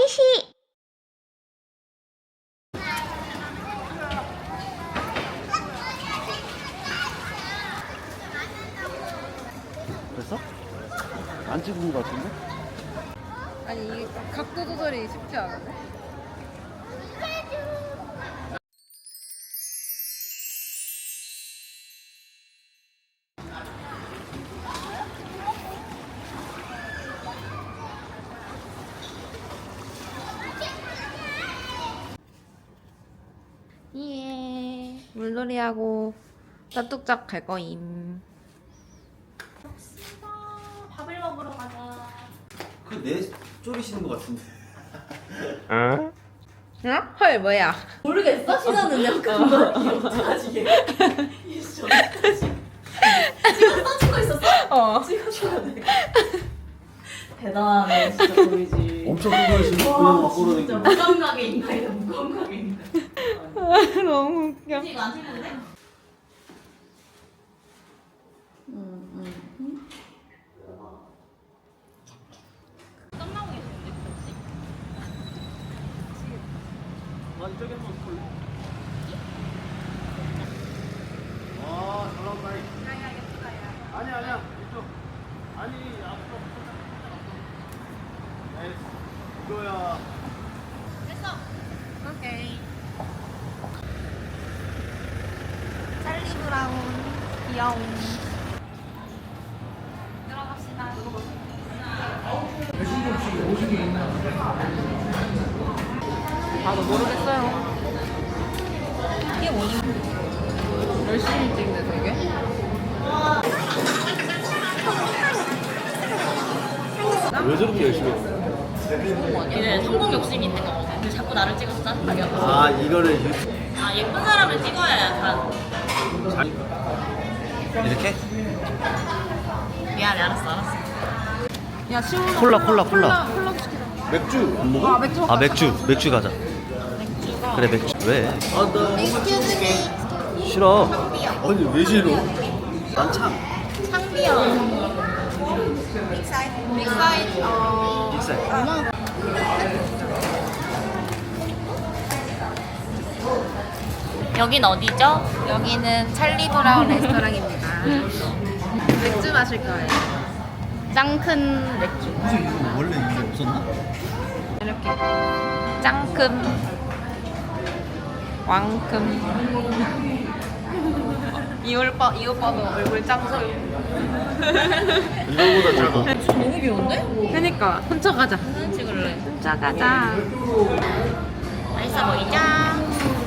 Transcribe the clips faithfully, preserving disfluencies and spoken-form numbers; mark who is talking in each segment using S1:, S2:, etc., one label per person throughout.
S1: 오이시.
S2: 됐어? 안 찍은 거 같은데?
S3: 아니 이게 각도 조절이 쉽지 않은데? 예, 물놀이하고 따뚝짝 갈 거임.
S1: 밥을 먹으러 가자.
S2: 그내 쪼리시는 거 같은데.
S3: 응? 헐 뭐야?
S1: 모르겠어? 신호는 약간 거 어떡하지 얘? 이씨 어떡하지? 지금 써주고 있었어?
S3: 어.
S1: 찍어줘야 돼. 대단하네 진짜 보이지.
S2: 엄청 큰 거를 지금 그냥 막
S1: 진짜
S2: 걸어다니고.
S1: 무감각의 인간이다 무감각의 인간.
S3: 너무 웃겨.
S1: 이거 안 찍는데? 응 응. 땀나고 있는데 혹시?
S2: 아니 저기 한번 볼래? 와, 잘 나온다. 아니 아니야 이쪽. 아니 앞으로. 에이, 이거야.
S1: 됐어.
S3: 오케이. 찰리 브라운 귀여운.
S1: 들어갑시다.
S3: 나도 모르겠어요.
S1: 이게 뭐지?
S3: 열심히 찍네 되게.
S2: 왜 저렇게 열심히 했어?
S1: 얘는 성공 욕심이 있는 거거든. 근데 자꾸 나를 찍어서 짜증나게 하고.
S2: 아 이거를 유튜브
S1: 아 예쁜 사람을 찍어야 약간.
S2: 잘 이렇게?
S1: 미안해 알았어 알았어.
S3: 야 시원하.
S2: 콜라, 콜라, 콜라.
S3: 콜라 시키자.
S2: 맥주 안 먹어?
S3: 아 맥주.
S2: 아 맥주 맥주 가자.
S1: 맥주가.
S2: 그래 맥주 왜? 아나 싫어. 아니 왜 싫어? 난 참.
S1: 창비야. 빅사이즈. 어.
S2: 빅사이.
S1: 여긴 어디죠?
S3: 여기는 찰리 브라운 레스토랑입니다. 맥주 마실 거예요.
S1: 짱 큰 맥주.
S2: 무슨 이거 원래 이게 없었나?
S3: 이렇게 짱큼 왕큼. 이 오빠 이 오빠도 얼굴 짱큼.
S2: 이거보다 작아.
S1: 너무 귀여운데?
S3: 그니까 훔쳐가자.
S1: 사진 찍을래.
S3: 훔쳐가자.
S1: 맛있어 보이자.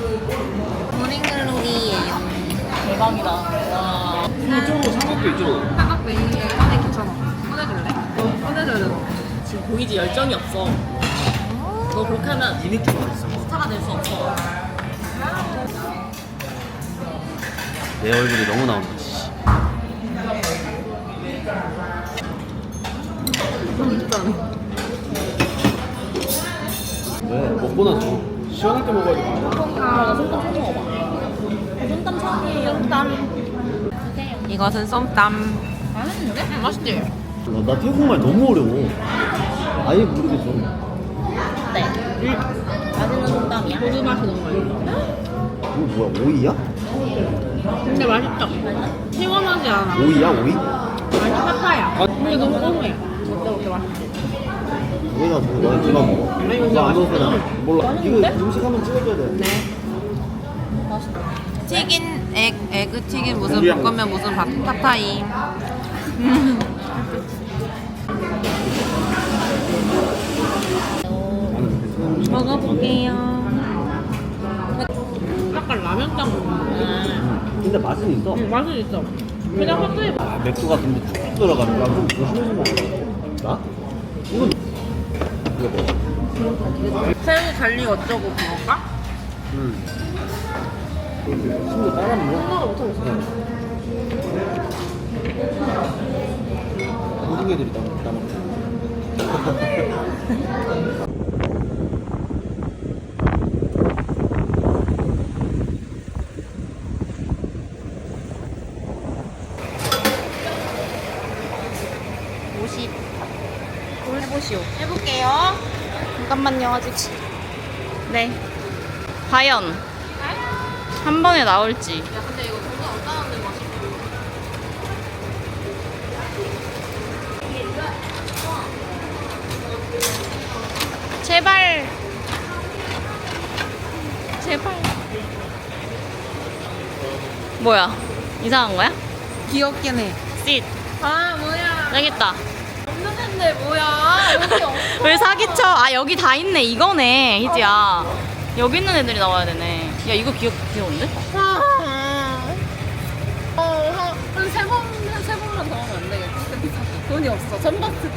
S3: 모닝글로리예요.
S1: 대박이다. 와.
S2: 이쪽으로 삼각대 이쪽으로.
S3: 삼각대 이게 꺼내 괜찮아. 꺼내줄래? 어, 꺼내줘야 돼.
S1: 지금 보이지 열정이 없어. 너 그렇게 하면
S2: 이 느낌 어딨어?
S1: 스타가 될 수 없어.
S2: 내 얼굴이 너무 나온다. 왜? 먹고 나서 시원할 때 먹어야 돼.
S1: 아, 나 손땀 처음 먹어봐. 손땀 처음이에요. 손땀.
S3: 이것은 쏨땀.
S1: 맛있는데?
S3: 음, 맛있지?
S2: 나, 나 태국말 너무 어려워. 아예 모르겠어.
S1: 네. 맛있는 손땀이야.
S3: 고수 맛이 너무 맛있어.
S2: 이거 뭐야? 오이야?
S3: 근데 맛있죠? 시원하지 않아.
S2: 오이야? 오이?
S3: 아니 파파야. 근데 너무 고소해. 어때 어때 맛있지?
S2: 오이나 뭐 나 그만 먹어.
S3: 아니,
S2: 이거
S3: 이거
S2: 안 넣어서
S3: 맛있어.
S2: 나 몰라. 이거 음식 한번 찍어줘야 돼.
S3: 네.
S1: 맛있다.
S3: 튀긴 액, 에그 튀긴 무슨
S2: 우리랑
S3: 볶음면 무슨 밥 팟타이. 먹어볼게요. 약간 라면장 먹는.
S2: 근데 맛은 있어.
S3: 응, 맛은 있어. 그냥 팟타이.
S2: 아, 맥주가 근데 쭉 들어가는 거야. 좀 조심해서 먹어. 나? 이건 이거 뭐?
S3: 새우 달리 어쩌고 그건가?
S2: 응. 친구 따라 먹어?
S3: 생각을 못하겠어.
S2: 모든 애들이 다 따 먹어.
S3: 오십. 해보시오. 해볼게요. 잠깐만요, 아직. 네. 과연 한 번에 나올지.
S1: 야 근데 이거 뭔가 안 나오는데 맛있어.
S3: 제발. 제발. 뭐야? 이상한 거야?
S1: 귀엽긴 해.
S3: 쉿.
S1: 아 뭐야?
S3: 여기 있다.
S1: 없는 앤데 뭐야? 여기 없어.
S3: 왜 사기쳐? 아 여기 다 있네. 이거네, 희지야. 여기 있는 애들이 나와야 되네. 야 이거 귀엽 귀여운데?
S1: 어, 한 세 번, 한 세 번만 더 하면 안 되겠지? 돈이 없어. 전박스.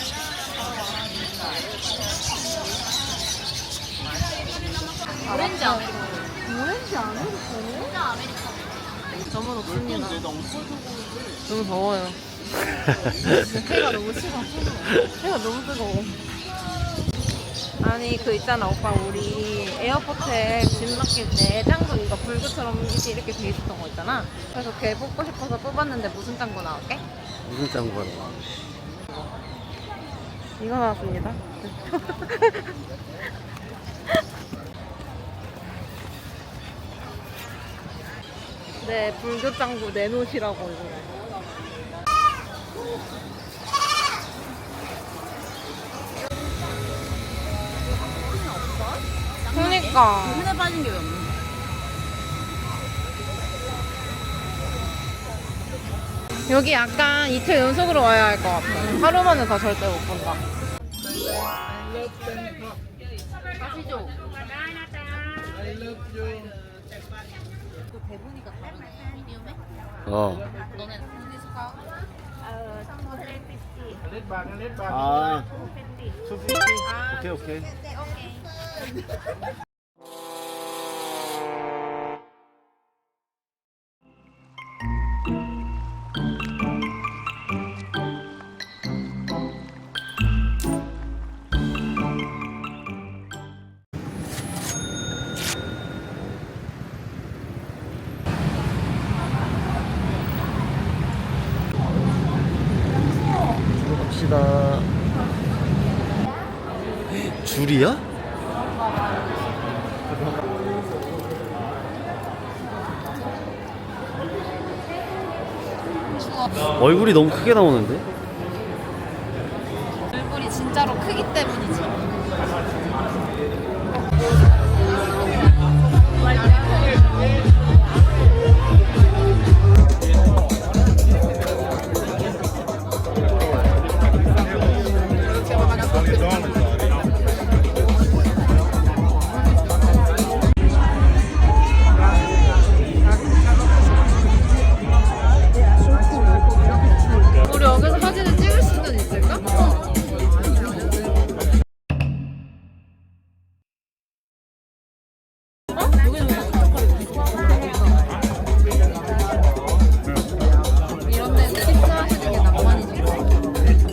S1: 오렌지 아메리카노. 오렌지 아메리카노? 저만 없습니다. 너무 더워요. 해가 너무 싫어. 해가 너무 뜨거워. 아니 그 있잖아 오빠 우리 에어포트에 짐 맡길 때 짱구 이거 불구처럼 이렇게 이렇게 돼 있었던 거 있잖아. 그래서 걔 뽑고 싶어서 뽑았는데 무슨 짱구 나올게?
S2: 무슨 짱구가 나와?
S1: 이거 나왔습니다. 네, 불교 짱구 내놓으시라고 이거. 그러니까.
S3: 손에 빠진 게 왜 없는
S1: 여기 약간 이틀 연속으로 와야 할 것 같아. 하루만은 더 절대 못 본다.
S3: 가시죠.
S2: 어.
S3: 너네 디스카?
S2: 아. 투피티. 오케이 오케이. 갑시다. 줄이야? 얼굴이 너무 크게 나오는데?
S3: 얼굴이 진짜로 크기 때문이지.
S1: 우리 여기서 사진을 찍을 수는 있을까? 이런 데는 식사하시는 게 낭만이지.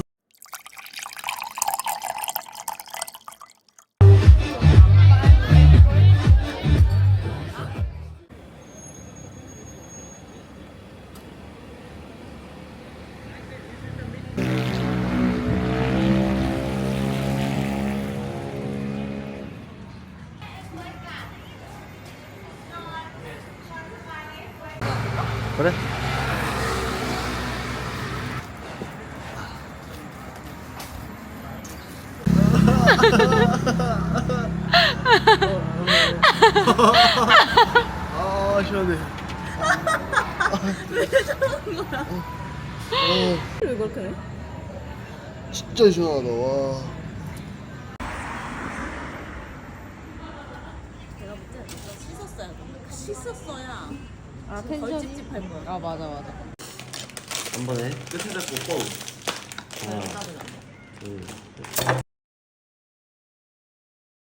S2: 그래? 아 시원해.
S1: 왜 저러는 거야?
S2: 어,
S1: 왜 그렇게 해?
S2: 진짜 시원하다. 와.
S1: 내가 볼때 씻었어야 돼. 씻었어야.
S3: 아
S1: 덜
S3: 텐션.
S1: 찝찝할 거야.
S3: 아 맞아 맞아.
S2: 한 번에 끝에 잡고 뻥. 하나, 둘,